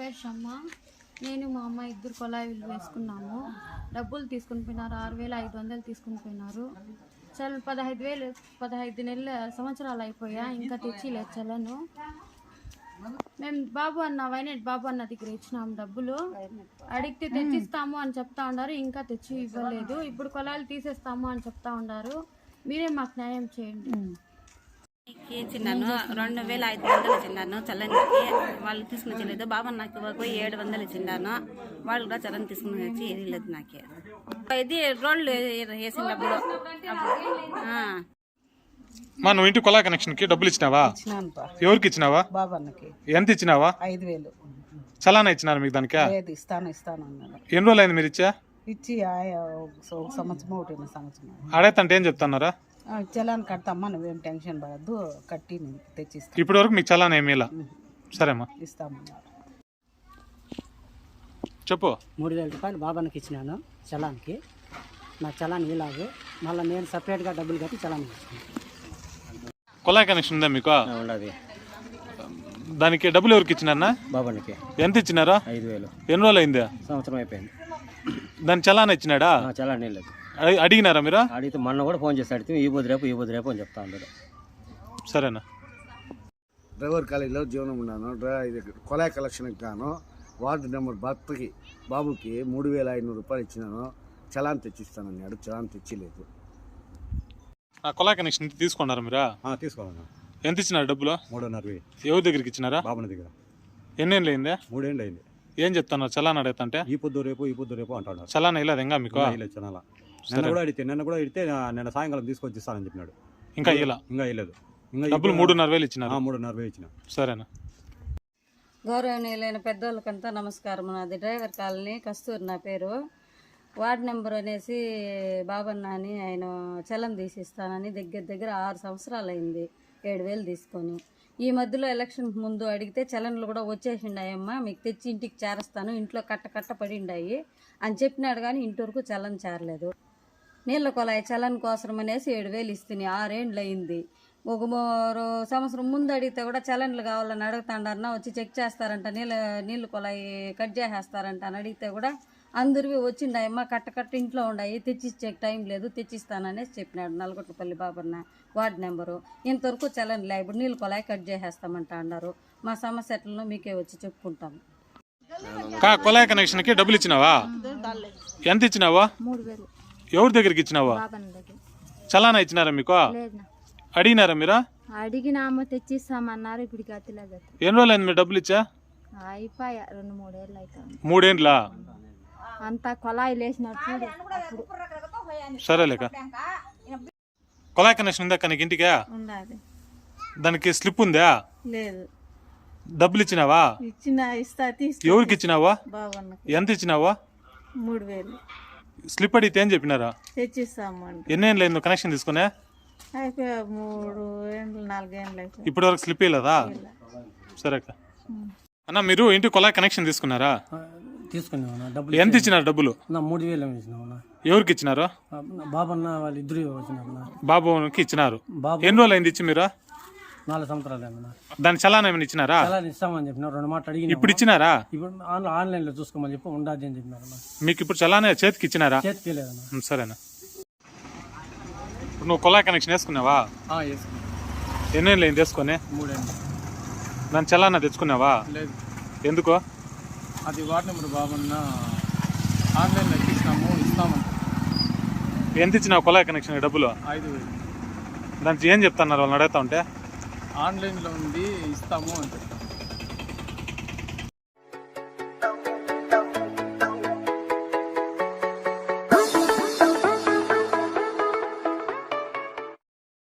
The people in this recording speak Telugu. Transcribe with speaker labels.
Speaker 1: పేరు షమ్మ. నేను మా అమ్మ ఇద్దరు కొలాయిలు వేసుకున్నాము. డబ్బులు తీసుకుని పోయినారు, 6,500 తీసుకుని పోయినారు. చల్ 15 నెలల సంవత్సరాలు అయిపోయా, ఇంకా తెచ్చిలేదు చలను. మేము వైనట్ బాబు అన్న దగ్గర ఇచ్చినాము డబ్బులు. అడిగితే తెచ్చిస్తాము అని చెప్తా ఉన్నారు, ఇంకా తెచ్చి ఇవ్వలేదు. ఇప్పుడు కొలాయిలు తీసేస్తాము అని చెప్తా ఉన్నారు. మీరే మాకు న్యాయం చేయండి.
Speaker 2: చిన్నాను 2,500 చిన్నాను చల్లనికి. వాళ్ళు తీసుకుని వచ్చలేదు. బాబా నాకు పోయి 700 ఇచ్చిన్నాను. వాళ్ళు కూడా చల్లని తీసుకుని వచ్చి ఏరియలేదు నాకే. ఇది రోడ్లు వేసినప్పుడు
Speaker 3: నువ్వు ఇంటి కొలా కనెక్షన్ కి డబ్బులు ఇచ్చినావా? ఎవరికి ఇచ్చినావా?
Speaker 4: బాబన్నకి.
Speaker 3: ఎంత ఇచ్చినావా?
Speaker 4: 5,000
Speaker 3: చలానా ఇచ్చినారు మీకు దానికి?
Speaker 4: ఇస్తాను
Speaker 3: ఎన్ని రోజులు అయింది మీరు ఇచ్చా?
Speaker 4: ఇచ్చి సంవత్సరం ఒకటి సంవత్సరం
Speaker 3: అడైతే ఏం చెప్తున్నారా?
Speaker 4: చలాన్ కడతామ్మా, నువ్వేం టెన్షన్ పడద్దు, కట్టి నేను తెచ్చిస్తాను.
Speaker 3: ఇప్పటి వరకు మీకు చలానా ఏమీ ఇలా? సరేమ్మా
Speaker 4: ఇస్తామన్నా.
Speaker 3: చెప్పు.
Speaker 5: 3,000 రూపాయలు బాబానికి ఇచ్చినాను చలాన్కి. నాకు చలాన్ ఇలాగు, మళ్ళీ నేను సపరేట్గా డబ్బులు కట్టి చలాన్ ఇచ్చాను.
Speaker 3: కొలాయి కనెక్షన్ ఉందా మీకు?
Speaker 6: ఉండదు.
Speaker 3: దానికి డబ్బులు ఎవరికి ఇచ్చినారా?
Speaker 6: బాబానికి.
Speaker 3: ఎంత ఇచ్చినారా?
Speaker 6: 5,000.
Speaker 3: ఎన్ని రోజులు అయింది?
Speaker 6: సంవత్సరం అయిపోయింది.
Speaker 3: దాని చలానా ఇచ్చినాడా?
Speaker 6: చలాన్ లేదు.
Speaker 3: అడిగినారా మీరు?
Speaker 6: అడిగితే మొన్న కూడా ఫోన్ చేసి అడిగితే ఈ బుద్ధి రేపు అని చెప్తా ఉన్నాడు.
Speaker 3: సరేనా.
Speaker 7: డ్రైవర్ కాలేజీలో జీవనం ఉన్నాను. ఇది కొలాయి కలెక్షన్కి గాను వార్డు నెంబర్ భర్తకి బాబుకి 3,500 రూపాయలు ఇచ్చినాను. చలాన్ తెచ్చిస్తానన్నాడు, చలాన్ తెచ్చిలేదు.
Speaker 3: కొలాయి కనెక్షన్ తీసుకున్నారా మీరు?
Speaker 8: తీసుకోవాలన్నా.
Speaker 3: ఎంత ఇచ్చినారు డబ్బులు?
Speaker 8: 3,500.
Speaker 3: ఎవరి దగ్గరికి ఇచ్చినారా?
Speaker 8: బాబుని దగ్గర.
Speaker 3: ఎన్నేళ్ళు అయింది?
Speaker 8: 3 ఏళ్ళు అయింది.
Speaker 3: ఏం చెప్తున్నారు చలాన్ అడుగుతుంటే?
Speaker 8: ఈ పొద్దు రేపు అంటున్నారు.
Speaker 3: చలాన్ ఇలా ఇంకా మీకు?
Speaker 8: చలానా నిన్న కూడా అడిగితే నిన్న సాయంకాలం తీసుకొచ్చి ఇస్తానని చెప్పినాడు.
Speaker 3: ఇంకా ఇలా?
Speaker 8: ఇంకా ఇవ్వలేదు.
Speaker 3: డబ్బులు 3,500 ఇచ్చినారు.
Speaker 8: 3,500 ఇచ్చిన.
Speaker 3: సరేనా.
Speaker 2: గౌరవనీయులైన పెద్దోళ్ళకంతా నమస్కారం. నాది డ్రైవర్ కాలనీ, కస్తూరి నా పేరు. వార్డు నెంబర్ అనేసి బాబన్న అని ఆయన చలం తీసిస్తానని దగ్గర 6 సంవత్సరాలు అయింది 7,000 తీసుకొని. ఈ మధ్యలో ఎలక్షన్ ముందు అడిగితే చలన్లు కూడా వచ్చేసిండాయమ్మా, మీకు తెచ్చి ఇంటికి చేరస్తాను, ఇంట్లో కట్ట పడిండాయి అని చెప్పినాడు. కానీ ఇంటి చలన్ చేరలేదు. నీళ్ళ కొలాయి చలన్ కోసం అనేసి 7,000 ఇస్తుంది. 6 ఏండ్లు అయింది. ఒక సంవత్సరం ముందు అడిగితే కూడా చలన్లు కావాలని అడుగుతాండారన్నా, వచ్చి చెక్ చేస్తారంట, నీళ్ళు కొలాయి కట్ చేసేస్తారంట అని అడిగితే కూడా అందరివి వచ్చిండాయమ్మా, కట్ట ఇంట్లో ఉన్నాయి, తెచ్చిచ్చే టైం లేదు, తెచ్చిస్తాననేసి చెప్పినాడు. నల్గొట్లపల్లి బాబన్న వార్డు నెంబరు. ఇంతవరకు చలన్లే, ఇప్పుడు నీళ్ళు కొలాయి కట్ చేసేస్తామంట అన్నారు. మా సమస్యలను మీకే వచ్చి చెప్పుకుంటాము.
Speaker 3: కొలాయి కనెక్షన్ కి డబ్బులు ఇచ్చినావా? ఎంత ఇచ్చినావా?
Speaker 1: 3,000.
Speaker 3: ఎవరి దగ్గరికి ఇచ్చినావా? చలానా ఇచ్చినారా మీకు? అడిగినారా మీరు?
Speaker 1: అడిగినామో తెచ్చిస్తామన్నారు. ఇప్పుడు గతిలేదు.
Speaker 3: ఎన్ని రోజులు అయింది మీరు డబ్బులు ఇచ్చా?
Speaker 1: అయిపోయా 2-3 ఏళ్ళు అవుతాయి.
Speaker 3: 3 ఏండ్లా?
Speaker 1: అంతా కొలాయి లేచినప్పుడు.
Speaker 3: సరేలేక. కొలాయి కనెక్షన్ ఉందా నీకు ఇంటికి? దానికి స్లిప్ ఉందా?
Speaker 4: లేదు.
Speaker 3: డబ్బులు ఇచ్చినావా? ఎవరికి ఇచ్చినావా? ఎంత ఇచ్చినావా?
Speaker 4: 3,000.
Speaker 3: స్లిప్ అడిగితే ఏం చెప్పినారా?
Speaker 4: తెచ్చిస్తాము.
Speaker 3: ఎన్ని ఏళ్ళు అయింది కనెక్షన్ తీసుకునే?
Speaker 4: 3 ఏండ్లు 4 ఏండ్లు.
Speaker 3: ఇప్పటి వరకు స్లిప్ ఇవ్వలేదా? సరే అన్న, మీరు ఇంటి కొలాయి కనెక్షన్ తీసుకున్నారా?
Speaker 5: తీసుకున్నాను. డబ్బులు
Speaker 3: ఎంత ఇచ్చినారు డబ్బులు?
Speaker 5: 3,000 ఇచ్చినా.
Speaker 3: ఎవరికి ఇచ్చినారు?
Speaker 5: బాబన్న వాళ్ళు ఇద్దరు వచ్చిన.
Speaker 3: బాబుకి ఇచ్చినారు. ఎన్ని రోజులు అయింది ఇచ్చి మీరు?
Speaker 5: 4 సంవత్సరాలు అయింది.
Speaker 3: దాని చలానా ఏమైనా ఇచ్చినారా?
Speaker 5: చలాన్ ఇస్తామని చెప్పిన 2 మాటలు అడిగి.
Speaker 3: ఇప్పుడు ఇచ్చినారా?
Speaker 5: ఇప్పుడు ఆన్లైన్ లో చూసుకోమని చెప్పి ఉండదు అని చెప్పినారు.
Speaker 3: మీకు ఇప్పుడు చలానా చేతికి ఇచ్చినారా?
Speaker 5: చేతికి లేదన్నా.
Speaker 3: సరేనా. నువ్వు కొలాయి కనెక్షన్ వేసుకున్నావా? ఎన్ని ఏళ్ళు అయింది వేసుకొని?
Speaker 9: 3 ఏళ్ళు.
Speaker 3: దాని చలానా తెచ్చుకున్నావా?
Speaker 9: లేదు.
Speaker 3: ఎందుకు?
Speaker 9: అది వార్డు నెంబర్ బాబన్న ఆన్లైన్లో ఇస్తామంట.
Speaker 3: ఎంత ఇచ్చినావు కొలాయి కనెక్షన్ డబ్బులు?
Speaker 9: 5,000.
Speaker 3: దానికి ఏం చెప్తున్నారు వాళ్ళని అడుగుతా ఉంటే?
Speaker 9: ఆన్లైన్లో ఉంది, ఇస్తాము అంటే.